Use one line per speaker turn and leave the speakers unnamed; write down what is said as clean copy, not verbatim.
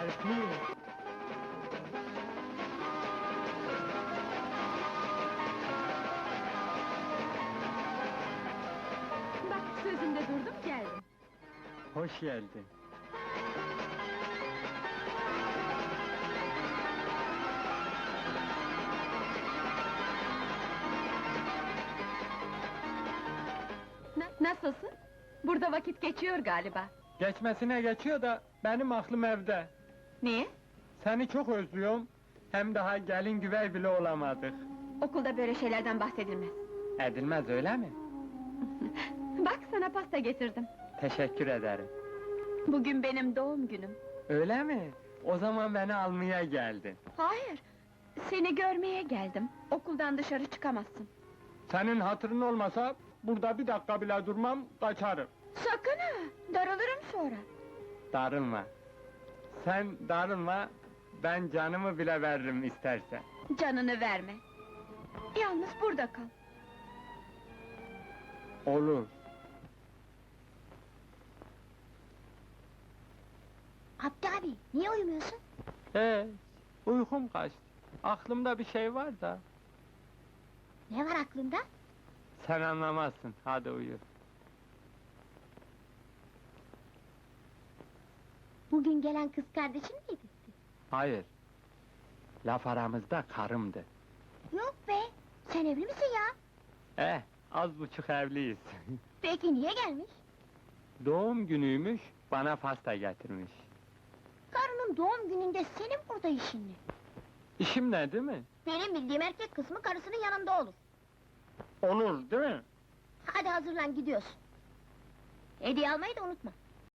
öpeyim.
Bak sözümde durdum geldim.
Hoş geldin.
Nasılsın? Burada vakit geçiyor galiba.
Geçmesine geçiyor da benim aklım evde.
Niye?
Seni çok özlüyorum. Hem daha gelin güvey bile olamadık.
Okulda böyle şeylerden bahsedilmez.
Edilmez öyle mi?
Bak sana pasta getirdim.
Teşekkür ederim.
Bugün benim doğum günüm.
Öyle mi? O zaman beni almaya geldin.
Hayır, seni görmeye geldim. Okuldan dışarı çıkamazsın.
Senin hatırın olmasa burada bir dakika bile durmam, kaçarım.
Sakın ha, darılırım sonra.
Darılma. Sen darılma, ben canımı bile veririm istersen.
Canını verme. Yalnız burada kal.
Olur.
Abdi abi, niye uyumuyorsun?
Uykum kaçtı. Aklımda bir şey var da.
Ne var aklında?
Sen anlamazsın, hadi uyu.
Bugün gelen kız kardeşin miydi?
Hayır. Laf aramızda karımdı.
Yok be, sen evli misin ya?
Az buçuk evliyiz.
Peki niye gelmiş?
Doğum günüymüş, bana pasta getirmiş.
Karının doğum gününde senin burada işin ne?
İşim ne değil mi?
Benim bildiğim erkek kısmı karısının yanında olur.
Olur değil mi?
Hadi hazırlan gidiyorsun. Hediye almayı da unutma.